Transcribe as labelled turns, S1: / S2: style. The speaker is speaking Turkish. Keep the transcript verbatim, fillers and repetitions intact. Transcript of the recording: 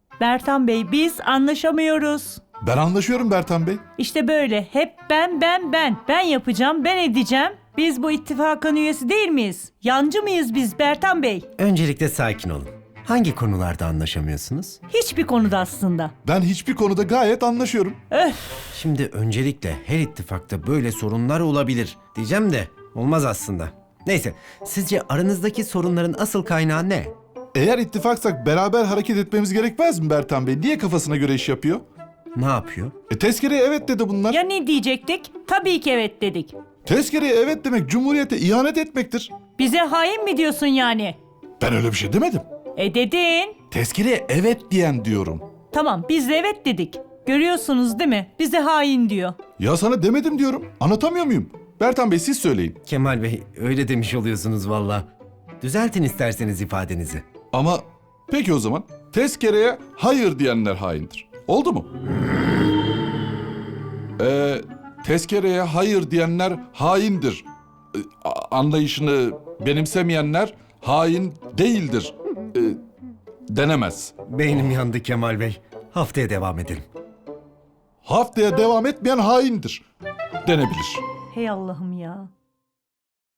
S1: Bertan Bey, biz anlaşamıyoruz.
S2: Ben anlaşıyorum Bertan Bey.
S1: İşte böyle hep ben ben ben. Ben yapacağım, ben edeceğim. Biz bu ittifakın üyesi değil miyiz? Yancı mıyız biz Bertan Bey?
S3: Öncelikle sakin olun. Hangi konularda anlaşamıyorsunuz?
S1: Hiçbir konuda aslında.
S2: Ben hiçbir konuda gayet anlaşıyorum.
S3: Şimdi öncelikle her ittifakta böyle sorunlar olabilir diyeceğim de olmaz aslında. Neyse, sizce aranızdaki sorunların asıl kaynağı ne?
S2: Eğer ittifaksak beraber hareket etmemiz gerekmez mi Bertan Bey? Niye kafasına göre iş yapıyor?
S3: Ne yapıyor?
S2: E tezkereye evet dedi bunlar.
S1: Ya ne diyecektik? Tabii ki evet dedik.
S2: Tezkereye evet demek Cumhuriyete ihanet etmektir.
S1: Bize hain mi diyorsun yani?
S2: Ben öyle bir şey demedim.
S1: E dedin.
S2: Tezkereye evet diyen diyorum.
S1: Tamam, biz de evet dedik. Görüyorsunuz değil mi? Bize hain diyor.
S2: Ya sana demedim diyorum. Anlatamıyor muyum? Bertan Bey siz söyleyin.
S3: Kemal Bey, öyle demiş oluyorsunuz valla. Düzeltin isterseniz ifadenizi.
S2: Ama peki o zaman tezkereye hayır diyenler haindir. Oldu mu? Ee, tezkereye hayır diyenler haindir. Ee, a- anlayışını benimsemeyenler hain değildir. Ee, denemez.
S3: Beynim yandı Kemal Bey. Haftaya devam edelim.
S2: Haftaya devam etmeyen haindir. Denebilir.
S1: Hey Allah'ım ya.